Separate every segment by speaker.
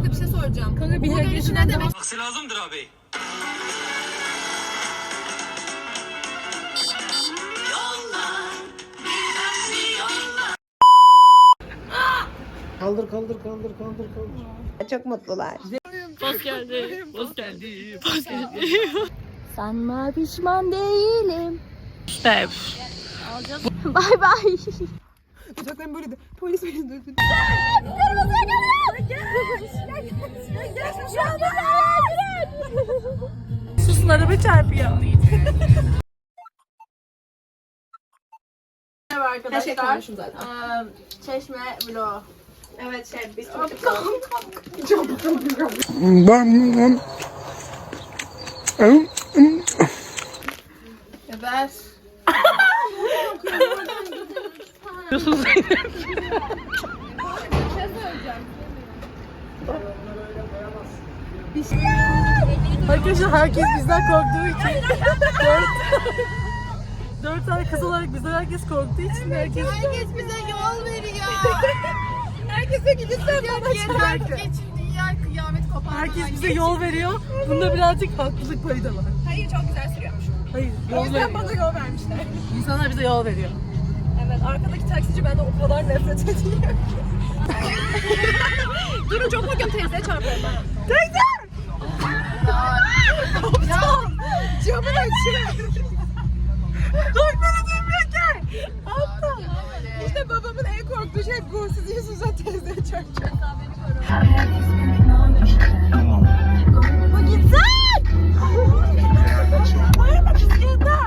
Speaker 1: Kanka bir şey soracağım.
Speaker 2: Kanka bir
Speaker 1: gelişi ne demek?
Speaker 3: Aksi lazımdır abi.
Speaker 4: Kaldır.
Speaker 5: Çok mutlular.
Speaker 2: Poz geldi. Poz geldi. Poz geldi. Sanma pişman değilim. İşte. Bay bay.
Speaker 1: Uçakların böyle de polis beni dövdü.
Speaker 2: Susun araba çarpıyor.
Speaker 1: Merhaba arkadaşlar.
Speaker 5: konuşun zaten.
Speaker 1: Çeşme vlog.
Speaker 5: Evet biz
Speaker 1: Evet.
Speaker 2: Arkadaşlar herkes bizden korktuğu için dört tane kız olarak bizden herkes korktuğu için herkes
Speaker 1: bize yol veriyor. Herkese gidilsen bana yeter geçin dünya kıyamet kopar.
Speaker 2: herkes bize yol veriyor. Bunda birazcık haklılık payı da var.
Speaker 1: Hayır çok güzel sürüyormuş.
Speaker 2: Hayır,
Speaker 1: O
Speaker 2: yol
Speaker 1: yüzden
Speaker 2: veriyor.
Speaker 1: bana yol vermişler.
Speaker 2: İnsanlar bize yol veriyor.
Speaker 1: Evet arkadaki taksici benden o kadar nefret ediyor. Durun çok bakıyorum teyzeye çarpıyorum ben. Teyze! Ya camı açıyor. Doktora dönmüyor ki. Aptal. İşte babamın en korktuğu şey bu. Siz yüzünüzden teyzeye çarpacak. Bu gitsin! Hayır mı bisiklete?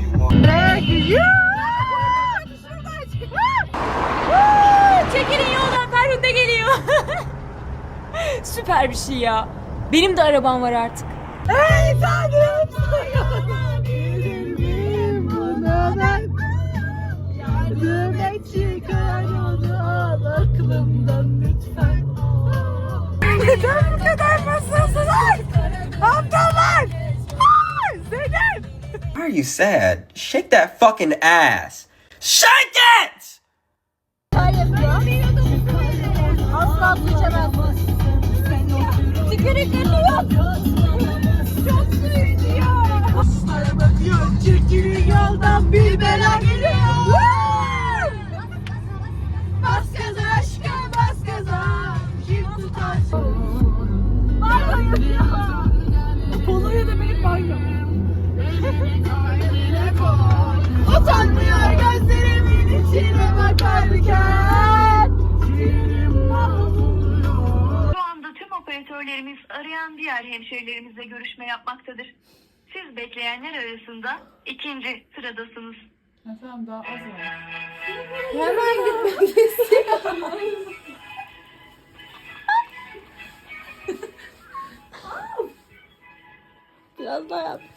Speaker 2: Çekilin yoldan, Ferhunde geliyor. Süper bir şey ya. Benim de arabam var artık.
Speaker 1: Ey Tanrım sana bilirim buna ben. Yardım et çıkar onu al aklımdan lütfen. Neden bu kadar masasılar? Aptallar! Zeynep!
Speaker 6: Why are you sad? Shake that fucking ass. Shake it!
Speaker 1: Asla su içemez. Tükürüklerini yok. Çok su içiyor. Araba diyor çekilin yoldan bir bela geliyor. Bas gaza aşkım bas gaza. Kim tutar? Banyo yapıyor. Polonya'da benim banyo. Utanmıyor gözlerimin içine bakarken.
Speaker 7: Şu anda tüm operatörlerimiz arayan diğer hemşehrilerimizle görüşme yapmaktadır. Siz bekleyenler arasında ikinci sıradasınız.
Speaker 1: Hemen gitmek istiyorum.
Speaker 2: Biraz daha yap.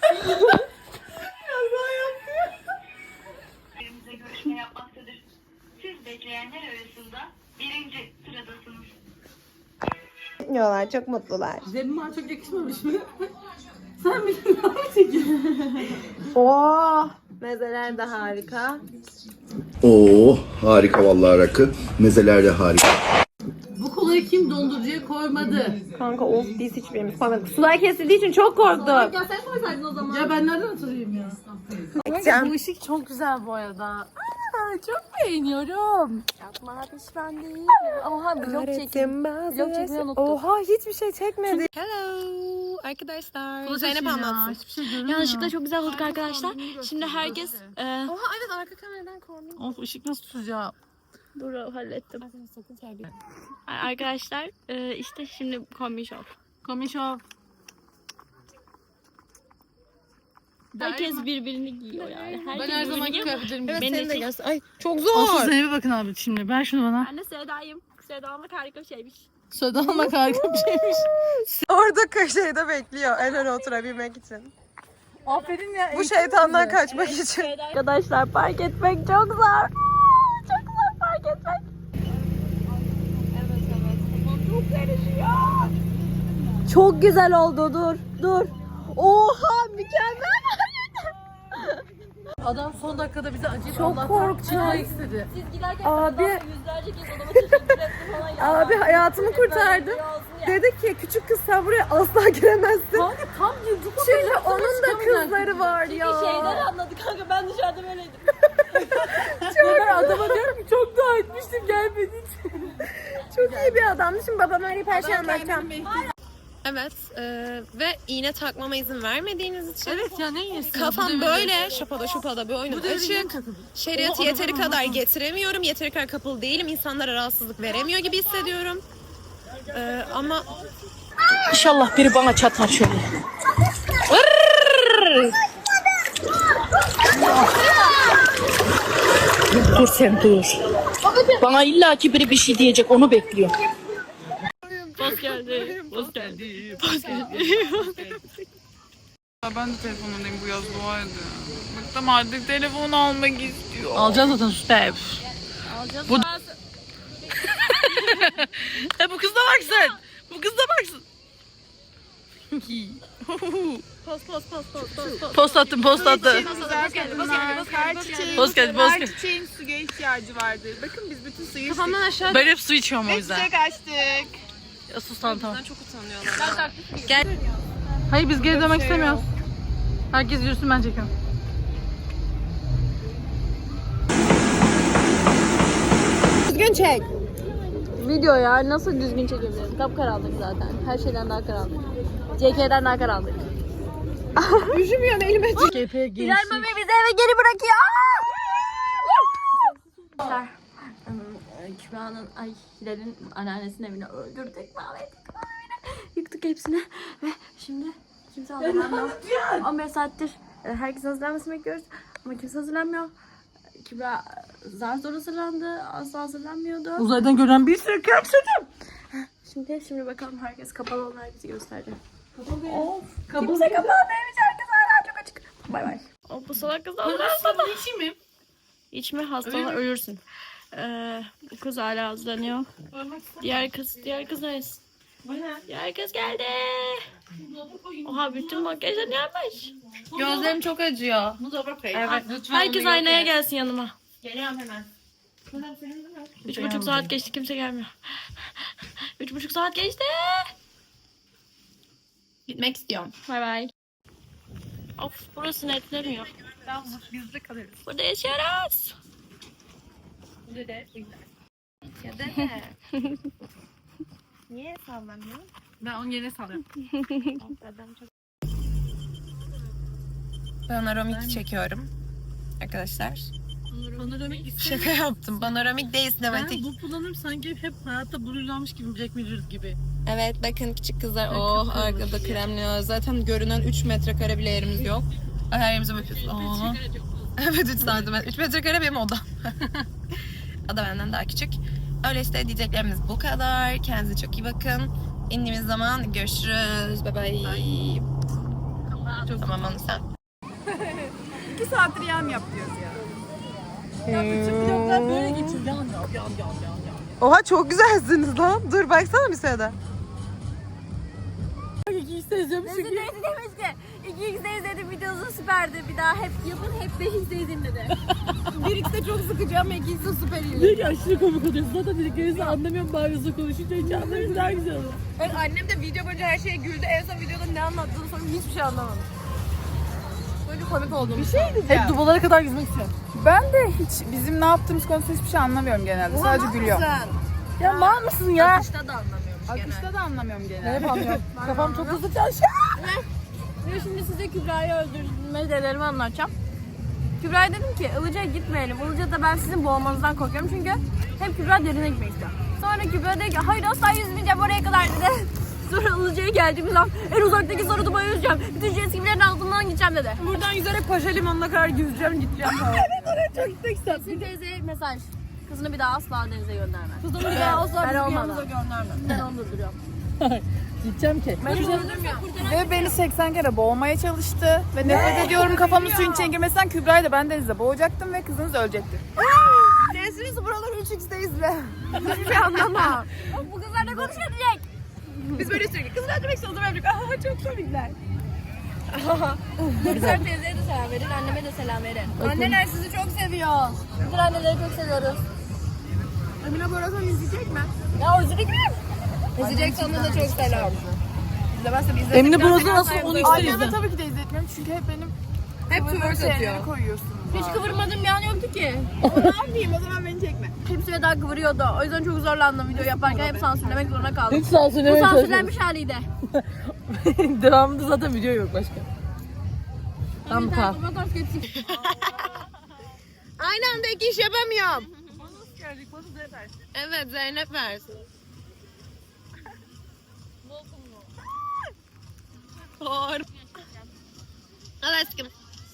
Speaker 7: Hemşehrilerimizle görüşme yapmaktadır. Siz bekleyenler arasında birinci sıradasınız.
Speaker 5: Gitmiyorlar. Çok mutlular.
Speaker 2: Zemma çok yakışmamış mı? Sen bir daha çekiyorsun.
Speaker 5: Oh! Mezeler de harika.
Speaker 8: Oo, harika vallahi rakı. Mezeler de harika.
Speaker 2: Bu kolayı kim dondurucuya koymadı?
Speaker 5: Kanka of biz hiçbirimiz koymadık. Sular kesildiği için çok korktuk.
Speaker 1: Ya sen koysaydın o zaman.
Speaker 2: Ya ben nereden hatırlayayım ya?
Speaker 5: Gideceğim.
Speaker 2: Bu ışık çok güzel bu arada. Aa, çok beğeniyorum. Yapma pişman değilim. Oha vlog çekim. Vlog çekmeyi unuttum.
Speaker 5: Oha hiçbir şey çekmedi.
Speaker 1: Hello arkadaşlar.
Speaker 2: Bu
Speaker 1: Zeynep anlatsın.
Speaker 2: Hiçbir şey görünmüyor.
Speaker 9: Yanlışlıkla çok güzel bulduk arkadaşlar. Şimdi herkes
Speaker 1: Oha evet arka kameradan kornayım.
Speaker 2: Of ışık nasıl tutacağım?
Speaker 9: dur hallettim. Arkadaşlar işte şimdi kombi şov.
Speaker 2: Komisyon.
Speaker 9: Herkes birbirini giyiyor yani. Herkes
Speaker 1: Ben her
Speaker 9: birbirini
Speaker 1: zamanki
Speaker 9: giyiyor.
Speaker 1: kıyafetlerimi
Speaker 9: Evet,
Speaker 1: giyiyorum.
Speaker 9: beni de
Speaker 5: gelsin. Ay çok
Speaker 2: Aslı
Speaker 5: zor.
Speaker 2: Zeynep'e bakın abi şimdi. Ver şunu bana.
Speaker 9: Ben de Seda'yım. Seda almak harika bir şeymiş.
Speaker 2: Söyle almak harika bir şeymiş.
Speaker 5: Orada köşede bekliyor en öne oturabilmek için.
Speaker 2: Aferin ya.
Speaker 5: Bu şeytandan kaçmak için.
Speaker 9: Arkadaşlar park etmek çok zor. Çok zor park etmek.
Speaker 5: Çok güzel oldu dur. Oha mükemmel.
Speaker 2: Adam son dakikada bize acıyıp
Speaker 1: Çok
Speaker 2: Allah'tan
Speaker 1: korktum.
Speaker 2: çıkmak istedi.
Speaker 9: Siz giderken
Speaker 1: Abi.
Speaker 9: yüzlerce kez odama teşekkür ettim falan ya.
Speaker 1: Abi hayatımı kurtardın. Dedi ki küçük kız sen buraya asla giremezsin.
Speaker 2: Kanka tam yıldık o
Speaker 1: Çünkü
Speaker 2: kadar
Speaker 1: onun da
Speaker 2: çıkamayan
Speaker 1: kızları var ya.
Speaker 9: Şeyden anladı kanka, ben dışarıda böyleydim.
Speaker 2: Ben adama diyorum ki çok dua etmiştim gelmediği için.
Speaker 1: Çok iyi bir adamdı. Şimdi babama arayıp her şeyi anlatacağım.
Speaker 5: Evet ve iğne takmama izin vermediğiniz için
Speaker 2: Evet ya ne iyisin.
Speaker 5: kafam böyle şapada bir oyunum açık. Şeriatı yeteri kadar getiremiyorum. Yeteri kadar kapalı değilim. İnsanlara rahatsızlık veremiyor gibi hissediyorum. Ama
Speaker 3: İnşallah biri bana çatar şöyle. Dur sen dur. Bana illaki biri bir şey diyecek, onu bekliyorum.
Speaker 4: Ben de telefonundayım bu yaz, dua edin. Bıktım artık, telefon almak istiyor.
Speaker 2: Alacağız zaten sus be. Bu... bu kız da baksın. Bu kız da baksın. Post attım.
Speaker 4: Güzel kadınlar, her çiçeğin,
Speaker 2: Post geldi.
Speaker 4: her çiçeğin suya ihtiyacı vardır. Bakın biz bütün suyu içtik.
Speaker 5: aşağı
Speaker 2: Ben hep su içiyorum o
Speaker 4: Ve
Speaker 2: yüzden.
Speaker 4: çiçek açtık.
Speaker 2: Ya sus tamam.
Speaker 5: çok utanıyorlar.
Speaker 2: Hayır biz geri dönmek istemiyoruz. Herkes yürüsün, ben çekiyorum.
Speaker 1: Düzgün çek.
Speaker 9: Video ya, nasıl düzgün çekebilirim? Kapkaranlık zaten. Her şeyden daha karanlık. JK'den daha karanlık.
Speaker 1: Üşümüyorum elime.
Speaker 2: GP'ye
Speaker 9: Hilal Mami bizi eve geri bırakıyor. Kübra'nın, Hilal'in anneannesinin evini öldürdük, mahvettik. Yıktık hepsini ve şimdi kimse hazırlanmıyor. 15 saattir herkesin hazırlanmasını bekliyoruz ama kimse hazırlanmıyor. Kübra zar zor hazırlandı, asla hazırlanmıyordu.
Speaker 2: Uzaydan gören bir sürü köpsüdüm.
Speaker 9: Şimdi bakalım, herkes kapalı olan herkesi göstereceğim.
Speaker 2: Kapalı.
Speaker 9: Kimse kapalı değilmiş, herkes hala çok açık. Bay bay. Bu salak kız hazırlansana.
Speaker 2: İçeyim mi?
Speaker 9: İçme, hastalan ölürsün. Bu kız hala hazırlanıyor. Diğer kız neresi? Diğer kız geldi. Oha, bütün makyajlarını yapmış.
Speaker 5: Gözlerim çok acıyor.
Speaker 9: Evet. Herkes aynaya gelsin yanıma.
Speaker 5: Geliyorum hemen.
Speaker 9: 3,5 saat geçti, kimse gelmiyor. 3,5 saat geçti.
Speaker 5: Gitmek istiyorum.
Speaker 9: Bay bay. Of, burası netlemiyor.
Speaker 5: Bizde kalırız.
Speaker 9: Burada yaşıyoruz.
Speaker 5: Ya da niye sallamıyor?
Speaker 2: Ben onun yerine sallıyorum.
Speaker 5: Panoramik çekiyorum arkadaşlar.
Speaker 2: Panoramik
Speaker 5: Şaka yaptım. Panoramik değil, sinematik.
Speaker 2: Ben bu kullanım sanki hep hayatta blurlanmış gibi, Black Mirror gibi.
Speaker 5: Evet bakın küçük kızlar. Oh arkada kremliyor. Zaten görünen 3 metrekare bile yerimiz yok. Her yerimize bakıyoruz. Oh. Evet 3 santimetre. 3 metrekare benim odam. O da benden daha küçük. Öyle işte diyeceklerimiz bu kadar. Kendinize çok iyi bakın. İndiğimiz zaman görüşürüz. Bye bye. Tamam onu sen.
Speaker 4: 2 saattir yam yap diyoruz ya.
Speaker 2: Vloglar böyle geçiyor. Yan.
Speaker 1: Oha çok güzelsiniz lan. Dur baksana bir sırada.
Speaker 9: Mesut teyze demiş ki 2x'de izledim, videosu süperdi. Bir daha hep yapın, hep 5x'de izleyin dedi.
Speaker 1: 1x'de çok sıkıcı ama 2x'de süper iyi.
Speaker 2: Diyor ki aşırı komik oluyorsun. Zaten dediklerinizi anlamıyorum, bari hızlı konuşunca hiç anlamayınca daha güzel olur.
Speaker 1: Evet, annem de video boyunca her şeye güldü. En son videoda ne anlattığını sonra hiçbir şey anlamadım. Böyle komik olduğunu.
Speaker 4: Bir şey diyeceğim.
Speaker 2: Hep dubalara kadar yüzmek istiyorum.
Speaker 4: Ben de hiç bizim ne yaptığımız konusunda hiçbir şey anlamıyorum genelde. Sadece gülüyorum.
Speaker 2: Ya mal mısın ya?
Speaker 1: Akışta da anlamıyormuş genelde.
Speaker 4: Akışta da anlamıyorum genelde.
Speaker 2: Ne yapamıyorum? Kafam çok hızlı çalışıyor.
Speaker 9: Ve şimdi size Kübra'yı öldürme denelerimi anlatacağım. Kübra'ya dedim ki Ilıca'ya gitmeyelim. Ilıca'da ben sizin boğulmanızdan korkuyorum çünkü hem Kübra derine gitmek istiyor. Sonra Kübra dedi ki hayır asla yüzmeyeceğim oraya kadar dedi. Sonra Ilıca'ya geldiğimiz zaman en uzaktaki sarıduma yüzeceğim. Bütün jet skilerin altından gideceğim dedi.
Speaker 1: Buradan yüzerek Paşa Limanı'na kadar yüzeceğim gideceğim falan.
Speaker 2: Çok gitmek istedim.
Speaker 9: Sizin teyzeye mesaj. Kızını bir daha asla denize gönderme.
Speaker 1: Kızımı bir daha asla
Speaker 9: Ben
Speaker 1: bizim
Speaker 9: olmadan.
Speaker 1: yanımıza gönderme.
Speaker 9: Ben onu durduruyorum.
Speaker 2: Gideceğim ki.
Speaker 4: Ve beni 80 kere boğmaya çalıştı. Ve nefret ediyorum kafamın suyun içine girmesinden. Kübra'yı da ben denizde boğacaktım ve kızınız ölecekti.
Speaker 1: Nesiniz buraları 3x'de izle. Hiçbir şey anlamam.
Speaker 9: Bu kızlar ne konuşuyor diyecek.
Speaker 1: Biz böyle sürekli kızlar demek istiyoruz. Aha çok komikler.
Speaker 9: Güzel teyzeye de selam verin, anneme de selam verin. Anneler sizi çok seviyor. Bütün anneleri çok seviyoruz.
Speaker 1: Emine Borazan izleyecek mi?
Speaker 9: Ya o izledik mi? İzleyecek sana da çok selam.
Speaker 1: İzlemezse biz
Speaker 3: Emine Borazan nasıl onu ister
Speaker 4: Anneme
Speaker 3: izle.
Speaker 4: tabii ki de izletmiyorum çünkü hep benim
Speaker 1: hep twerk atıyor.
Speaker 4: şeyleri koyuyorsunuz.
Speaker 9: Hiç kıvırmadığım bir an yoktu ki.
Speaker 1: Ne yapayım o zaman beni çekme.
Speaker 9: Hepsi ve daha kıvırıyordu. O yüzden çok zorlandım video yaparken. Hep sansürlemek zorunda kaldım.
Speaker 3: Hiç
Speaker 9: Bu
Speaker 3: sansürlemeye çalışmadım.
Speaker 9: sansürlenmiş haliydi.
Speaker 3: Devamında zaten video yok başka. Tamam tamam.
Speaker 5: Aynı anda iki iş yapamıyorum. Evet Zeynep versin. Doğru. Al aşkım.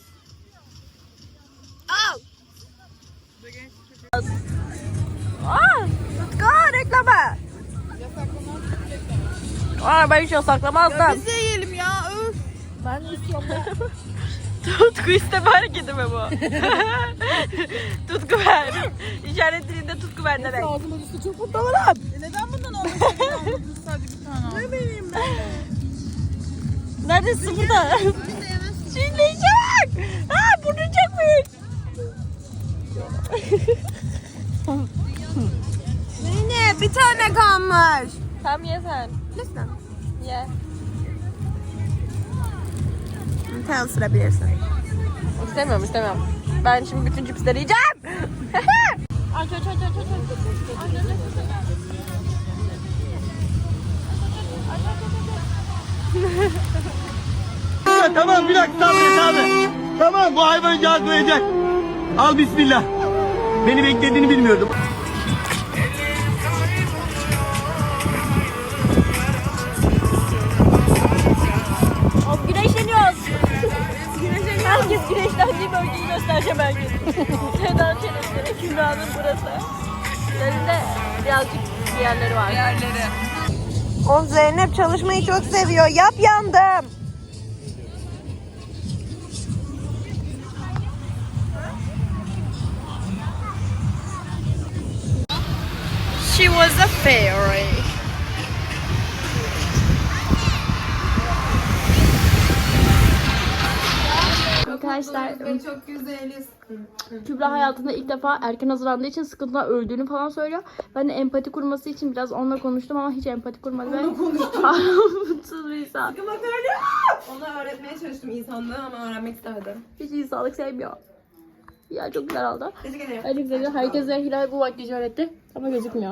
Speaker 5: Al.
Speaker 3: Reklama. Aa, ben hiç yasaklamazdım.
Speaker 1: Biz de yiyelim ya. Öf.
Speaker 3: Ben de istiyorum. Tutku isteme hareketi mi bu? Tutku ver. İşaret dilinde tutku ver demek.
Speaker 1: Ağzıma düştü çok mutlu olurum. Neden bundan olmuş? Sadece bir tane. Ne bileyim ben.
Speaker 3: Neredesin burada? Şimdi çak. Aa, burnu çekmiş.
Speaker 1: Yine bir tane kalmış.
Speaker 3: Tam ye sen.
Speaker 1: Lütfen.
Speaker 3: Ye.
Speaker 1: Sen ısırabilirsin.
Speaker 3: İstemiyorum. Ben şimdi bütün cipsleri yiyeceğim.
Speaker 9: Aç.
Speaker 10: Tamam bir dakika sabret abi. Tamam bu hayvancağız doyacak. Al bismillah. Beni beklediğini bilmiyordum.
Speaker 9: Güneşleniyoruz. Herkes güneşlendiği bölgeyi göstereceğim herkes. Sedan Çelebi'nin Kübra'nın burası. Üzerinde birazcık bir yerleri var.
Speaker 1: O Zeynep çalışmayı çok seviyor. Yap yandım.
Speaker 5: She was a fairy.
Speaker 2: Arkadaşlar Kübra hayatında ilk defa erken hazırlandığı için sıkıntıdan öldüğünü falan söylüyor. Ben de empati kurması için biraz onunla konuştum ama hiç empati kurmadı. Onunla konuştum. Mutsuz bir insan.
Speaker 1: Ona öğretmeye çalıştım insanlığı ama öğrenmek istemedim.
Speaker 2: Hiç insanlık sevmiyor. Ya çok güzel oldu.
Speaker 1: Teşekkür ederim.
Speaker 2: Öyle güzel. Herkese Hilal bu makyajı öğretti ama gözükmüyor.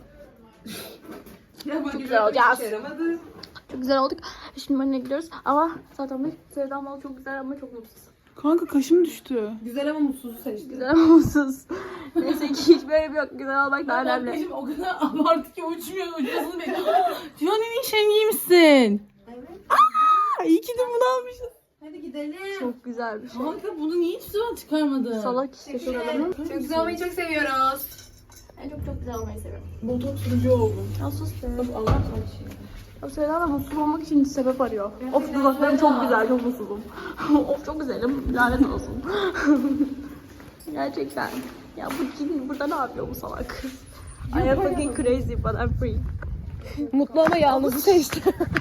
Speaker 1: Çok
Speaker 2: güzel olacağız. Çok güzel olduk. Şimdi önüne gidiyoruz ama zaten Sevda Mal çok güzel ama çok mutsuz.
Speaker 4: Kanka kaşım düştü.
Speaker 1: Güzel ama mutsuzu seçtim.
Speaker 2: Güzel ama mutsuz. Neyse ki hiç böyle bir yok. Güzel olmak daha önemli.
Speaker 3: O kadar abartı ki uçmuyor. Uçmasını bekliyor. Tüyan'ın işen giymişsin. Evet. Aa, iyi ki de bunu almışsın.
Speaker 1: Hadi gidelim.
Speaker 2: Çok güzel bir şey.
Speaker 3: Kanka bunu niye hiç sıra çıkarmadın?
Speaker 2: Salak işte çok adamım.
Speaker 1: Çok güzel olmayı çok seviyoruz.
Speaker 2: Ben çok güzel olmayı seviyorum.
Speaker 3: Botoks sürücü oldum.
Speaker 2: Ya sus be.
Speaker 3: Allah kardeşim.
Speaker 2: Ya Sevda da mutsuz olmak için sebep arıyor. Of dudaklarım çok güzel, çok mutsuzum. Of çok güzelim, lanet olsun. Gerçekten. Ya bu kim burada ne yapıyor bu salak? I am fucking crazy but I'm free.
Speaker 3: Mutlu ama yalnızı seçti.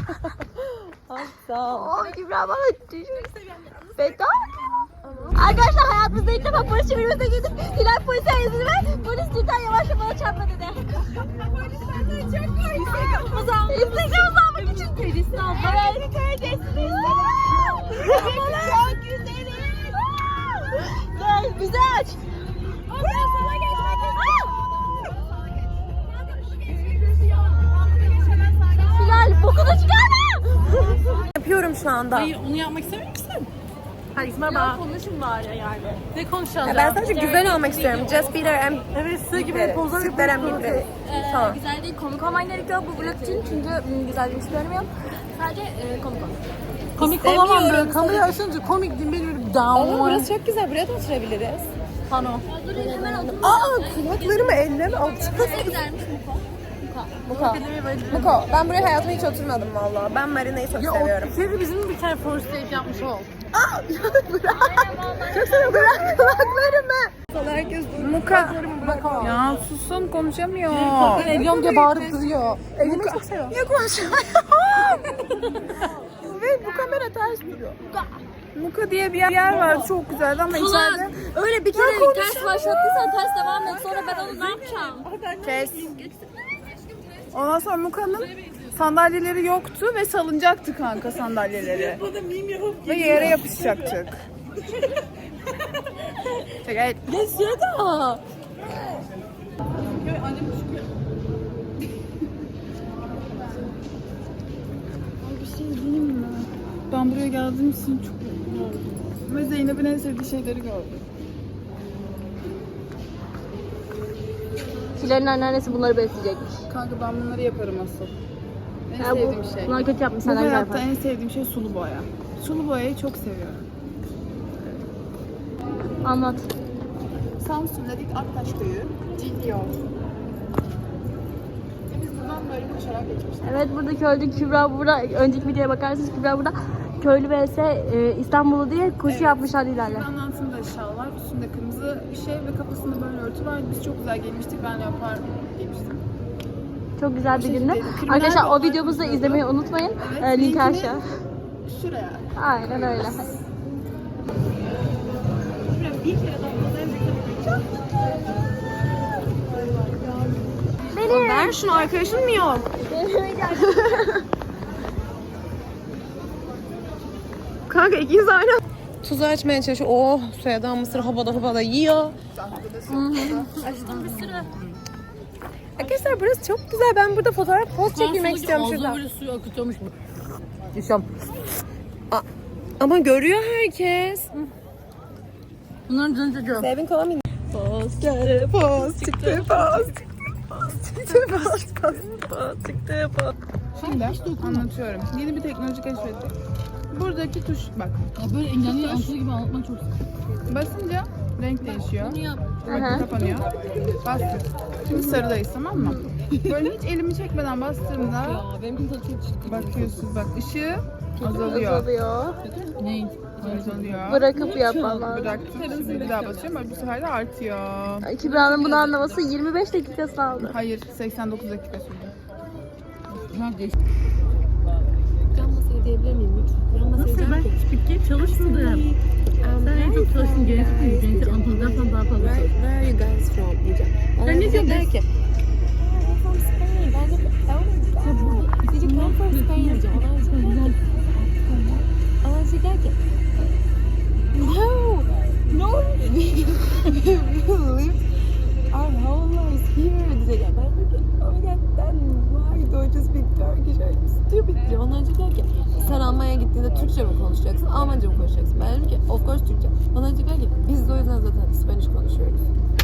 Speaker 2: Sağ ol. Oh Kübra bana Feda. Arkadaşlar hayatımızda ilk defa polis çevirmesine girdik. Hilal polise yazdı ve polis lütfen yavaşça bana çarpma dedi. Polis benden çok korkuyor. Instagram'ı almak için kredisini aldım. Evet. Kredisini çok güzelim. Gel bizi aç. Ben sana geçmek istiyorum. Hilal bokunu çıkarma.
Speaker 1: Yapıyorum şu anda.
Speaker 3: Hayır onu yapmak istemiyor musun?
Speaker 1: Hadi İsmail
Speaker 2: Konuşun bari yani.
Speaker 3: Ne konuşacağız?
Speaker 1: ben sadece güzel olmak istiyorum. Just be there and
Speaker 3: Evet sığ gibi pozlar
Speaker 1: sit there and be there. Tamam.
Speaker 2: Güzel değil, komik olman gerekiyor bu vlog için çünkü güzelliğini söylemiyorum. Sadece komik ol.
Speaker 3: Komik olamam böyle. Kamerayı açınca komik değil benim böyle down.
Speaker 1: Burası çok güzel. Buraya da oturabiliriz.
Speaker 3: Pano.
Speaker 1: Kulaklarımı elleme.
Speaker 2: Ne güzelmiş
Speaker 1: Muko, ben buraya hayatımda hiç oturmadım valla. Ben Marina'yı çok seviyorum.
Speaker 3: Senin bizim bir tane first date yapmış ol.
Speaker 1: Çok seviyorum. Bırak kulaklarımı. Herkes Muka.
Speaker 4: Ya susun konuşamıyor.
Speaker 3: Ediyorum diye bağırıp duruyor.
Speaker 1: Elimi çok seviyorum. Niye konuşamıyorum?
Speaker 4: ve bu kamera ters duruyor. Muka diye bir yer var, çok güzeldi ama içeride...
Speaker 2: Öyle bir kere ters başlattıysan ters devam et. Sonra ben onu ne yapacağım?
Speaker 4: Kes. Ondan sonra Muka'nın sandalyeleri yoktu ve salıncaktı kanka sandalyeleri. Ve yere yapışacaktık. Evet.
Speaker 2: Geçsene.
Speaker 4: Ben buraya geldiğim için çok mutluyum. Ve Zeynep'in en sevdiği şeyleri gördüm.
Speaker 2: Hilal'in anneannesi bunları besleyecekmiş.
Speaker 4: Kanka ben bunları yaparım asıl. En
Speaker 2: Ya
Speaker 4: sevdiğim şey.
Speaker 2: bunlar kötü yapmış.
Speaker 4: Bu
Speaker 2: Sen
Speaker 4: hayatta
Speaker 2: yapar.
Speaker 4: en sevdiğim şey sulu boya. Sulu boyayı çok seviyorum.
Speaker 2: Anlat.
Speaker 4: Samsun'daki Aktaş Köyü, GDO. Biz buradan böyle koşarak geçmiştik.
Speaker 2: Evet burada köylü Kübra burada. Önceki videoya bakarsanız Kübra burada. Köylü vs İstanbul'u diye koşu yapmışlar Hilal'le.
Speaker 4: Kübra'nın altında şal var, üstünde kırmızı bir şey ve kafasında böyle örtü var. Biz çok güzel giymiştik, ben leopar giymiştim.
Speaker 2: Çok güzel bir gündü.
Speaker 4: Kriminal
Speaker 2: Arkadaşlar o
Speaker 4: bağlar
Speaker 2: videomuzu da
Speaker 4: izliyordu.
Speaker 2: izlemeyi unutmayın.
Speaker 4: Evet,
Speaker 2: Link
Speaker 4: linkini
Speaker 2: aşağı.
Speaker 4: Şuraya.
Speaker 2: Aynen öyle. Benim.
Speaker 3: Ver şunu, arkadaşın mı yok? Kanka ikiniz aynı. Tuzu açmaya çalışıyor. Oh, soyadan mısır havada yiyor.
Speaker 2: Açtım bir sürü.
Speaker 3: Arkadaşlar burası çok güzel. Ben burada fotoğraf poz çekilmek istiyorum şurada.
Speaker 9: Böyle suyu akıtıyormuş bu.
Speaker 3: Ama görüyor herkes.
Speaker 2: Bunların canı çocuğu.
Speaker 3: Sevin kola mı? Poz çıktı, poz çıktı, poz çıktı.
Speaker 4: Şimdi anlatıyorum. Yeni bir teknoloji keşfettik. Buradaki tuş bak.
Speaker 9: Ya böyle engelli altı gibi anlatmak çok sıkıntı.
Speaker 4: Basınca renk değişiyor.
Speaker 9: Bunu yap.
Speaker 4: Bakın kapanıyor. Bastır. Şimdi sarıdayız, tamam mı? Böyle hiç elimi çekmeden bastığımda
Speaker 9: Ya benimkinin tadı çok çıktı.
Speaker 4: bakıyorsunuz bak ışığı azalıyor.
Speaker 2: Azalıyor.
Speaker 9: Ne?
Speaker 4: Azalıyor.
Speaker 2: Bırakıp yapmam lazım.
Speaker 4: Bıraktım. Şimdi bir daha basıyorum. Bak bu sefer de artıyor.
Speaker 2: Kübra'nın bunu anlaması 25 dakikası aldı.
Speaker 4: Hayır, 89 dakika sürdü.
Speaker 3: Can masayı diyebilir miyim lütfen? Can masayı
Speaker 9: Nasıl ben spiker çalışmadım. Sen en çok çalıştın genetik mi? Genetik Antalya'dan daha fazla çalıştın.
Speaker 3: Where are you guys from diyeceğim.
Speaker 9: Sen ne diyorsun?
Speaker 3: Der ki I'm from Spain. Ben de did you come from Spain diyeceğim. Ona diyecek der ki no we live our whole lives here diyecek. Ben de ki oh my god then why don't you speak Turkish? Are you stupid diyeceğim. Ondan sonra der ki sen Almanya'ya gittiğinde Türkçe mi konuşacaksın, Almanca mı konuşacaksın? Ben dedim ki of course Türkçe. Ondan sonra der ki biz de o yüzden zaten Spanish konuşuyoruz.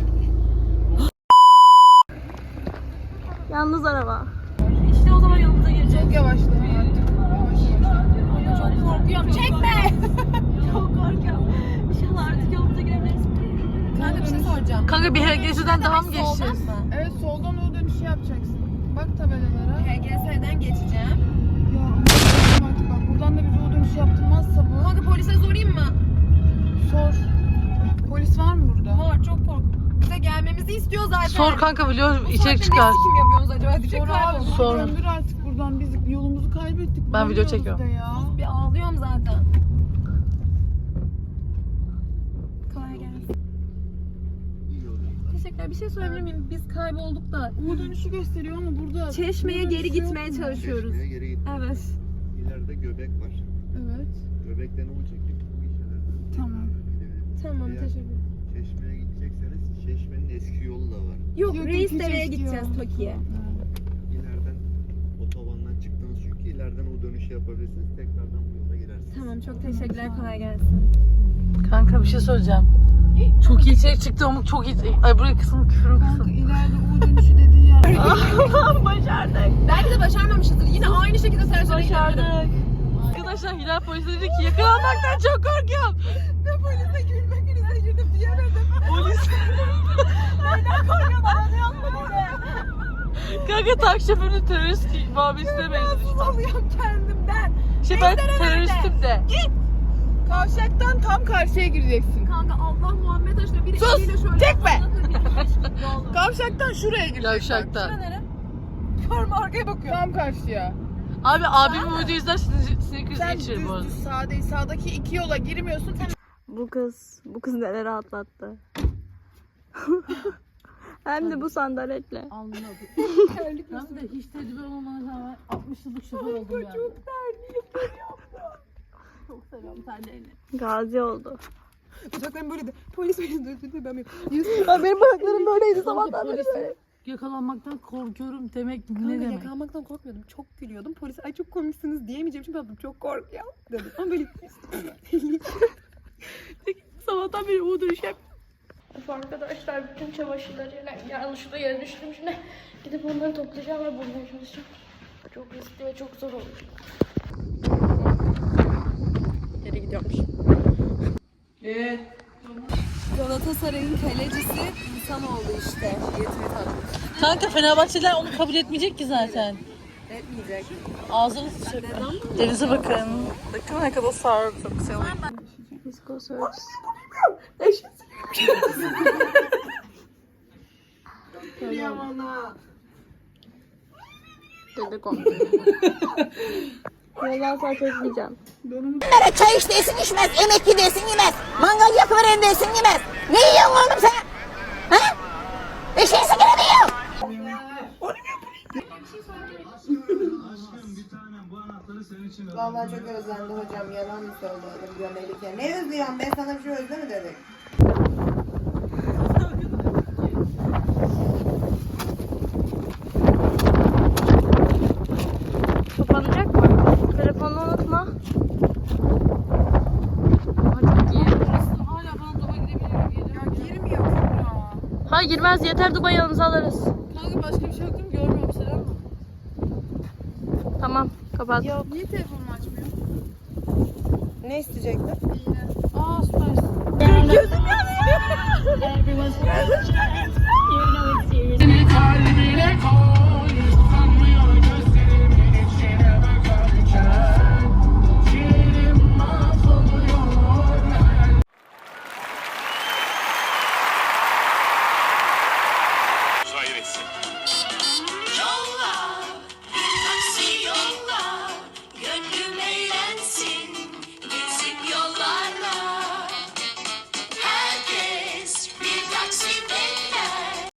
Speaker 2: Yalnız araba.
Speaker 9: İşte o zaman yolumuza girecek.
Speaker 4: Çok yavaşla artık.
Speaker 9: Çok korkuyorum. Çekme! Çok korkuyorum. İnşallah artık yolumuza giremeyiz.
Speaker 3: Kanka bir şey soracağım.
Speaker 5: Kanka bir HGS'den daha mı geçeceğiz?
Speaker 4: Evet, soldan o dönüşü yapacaksın. Bak tabelalara.
Speaker 3: HGS'den geçeceğim.
Speaker 4: Ya Allah'ım artık bak buradan da bize o dönüşü yaptırmazsa bu.
Speaker 3: Kanka polise sorayım mı?
Speaker 4: Sor. Polis var mı burada?
Speaker 3: Var, çok korkuyorum. Bize gelmemizi istiyor zaten.
Speaker 5: Sor kanka biliyorum
Speaker 3: Bu
Speaker 5: içerik
Speaker 3: saatte
Speaker 5: çıkar.
Speaker 3: ne sikim yapıyorsunuz acaba? Diyecek
Speaker 4: Sor abi.
Speaker 3: kaybolmuş.
Speaker 5: Sor.
Speaker 4: Döndür artık buradan, biz yolumuzu kaybettik.
Speaker 5: Ben video
Speaker 4: Bulamıyoruz
Speaker 5: çekiyorum.
Speaker 4: da ya.
Speaker 3: Bir ağlıyorum zaten. Kolay gelsin. Teşekkürler. Bir şey sorabilir miyim? Biz kaybolduk da
Speaker 4: U dönüşü gösteriyor ama burada.
Speaker 3: Çeşme'ye
Speaker 4: U
Speaker 3: geri
Speaker 4: dönüşü yok
Speaker 3: gitmeye
Speaker 4: mu?
Speaker 3: çalışıyoruz.
Speaker 11: Çeşmeye geri git.
Speaker 3: Evet.
Speaker 11: İleride göbek var.
Speaker 4: Evet.
Speaker 11: Göbekten U çekip bu işaretini
Speaker 4: Tamam.
Speaker 3: Tamam,
Speaker 11: Eğer
Speaker 3: teşekkür ederim.
Speaker 11: Çeşmeye gidecekseniz Çeşme'nin eski yolu da var.
Speaker 3: Yok,
Speaker 4: Yok,
Speaker 3: Reisdere'ye
Speaker 4: ikinci
Speaker 3: gideceğiz
Speaker 4: eski
Speaker 3: Toki'ye.
Speaker 11: İleriden otobandan çıktınız çünkü ileriden U dönüşü yapabilirsiniz. Tekrardan bu yola girersiniz.
Speaker 3: Tamam, çok teşekkürler. Kolay gelsin.
Speaker 5: Kanka bir şey söyleyeceğim. Çok iyi içerik çıktı ama çok iyi. Ay buraya kısım küfürüm
Speaker 4: Kanka
Speaker 5: kısım.
Speaker 4: ileride U dönüşü dediği yer.
Speaker 3: Başardık. Belki de başarmamışızdır. Yine aynı şekilde ters
Speaker 5: Başardık. Arkadaşlar Hilal polis dedi ki yakalanmaktan çok korkuyorum.
Speaker 1: Ve polise gülme krize girdim diyemedim.
Speaker 5: Polis.
Speaker 1: Neden korkuyorsun? Anlayalım beni.
Speaker 5: Kanka taksi şoförünün terörist muhabbesine benziyor.
Speaker 1: Alıyorum kendimden.
Speaker 5: Ben teröristim de.
Speaker 4: Kavşaktan tam karşıya gireceksin.
Speaker 3: Kanka Allah Muhammed aşkına biri
Speaker 4: Sus,
Speaker 3: eliyle şöyle.
Speaker 4: çekme.
Speaker 3: Yolda.
Speaker 4: Kavşaktan şuraya gireceksin.
Speaker 5: Yavşakta.
Speaker 3: Nere?
Speaker 1: Görme arkaya bakıyorum.
Speaker 4: Tam karşıya.
Speaker 1: Abi abimin videoyu izler sinir krizi geçirir bu arada.
Speaker 4: Düz sağ değil. Sağdaki iki yola girmiyorsun.
Speaker 2: Bu kız neler atlattı. Hem de bu sandaletle.
Speaker 1: Anladım. Ben de hiç tecrübe olmadan rağmen 60 yıllık şoför oldum yani. Çok terliyim. Çok seviyorum terliğini.
Speaker 2: Gazi oldu.
Speaker 3: Bacaklarım böyle de. Polis beni dövdü. Ben
Speaker 2: Benim bacaklarım böyleydi sabahtan beri.
Speaker 1: Polise yakalanmaktan korkuyorum demek ne demek?
Speaker 3: Yakalanmaktan korkmuyordum. Çok gülüyordum. Polis ay çok komiksiniz diyemeyeceğim. Şimdi ben çok korkuyorum dedim. Ama böyle
Speaker 1: Sabahtan beri o dönüşüm.
Speaker 9: Arkadaşlar bütün çamaşırları yanlışlıkla yere düştüm. Şimdi gidip onları toplayacağım ve bulmaya çalışacağım. Çok riskli ve çok zor olacak.
Speaker 1: Geri gidiyormuş.
Speaker 3: Galatasaray'ın kalecisi insan oldu işte. Yetimi tatlı.
Speaker 1: Kanka Fenerbahçeliler onu kabul etmeyecek ki zaten.
Speaker 3: Etmeyecek.
Speaker 1: Ağzını sıçacak. Denize bakın. Bakın ne kadar sarı. Çok güzel.
Speaker 2: Disco Search. Dedi komple. Yoldan sonra çekmeyeceğim.
Speaker 12: Çay iç desin içmez, emekli desin yemez, mangal yakıveren desin yemez. Ne yiyorsun oğlum sen? Ha? Eşeği sigara mı yiyorsun?
Speaker 3: Vallahi çok özlendi hocam. Yalan mı söyledim diyor Melike. Ne özlüyorsun? Ben sana bir şey özleme dedik.
Speaker 2: Kapanacak mı? Telefonu unutma. Hadi gir.
Speaker 1: Hala bana doba gidebilirim.
Speaker 4: Ya girmiyor Kübra.
Speaker 2: Ha girmez yeter Dubai yanımıza alırız.
Speaker 1: Kanka başka bir şey yok değil mi? Görmüyorum seni ama.
Speaker 2: Tamam kapat.
Speaker 4: Niye telefonunu açmıyor?
Speaker 3: Ne isteyecektin?
Speaker 1: Aa süpersin.
Speaker 2: Gözüm yanıyor.
Speaker 12: Everyone's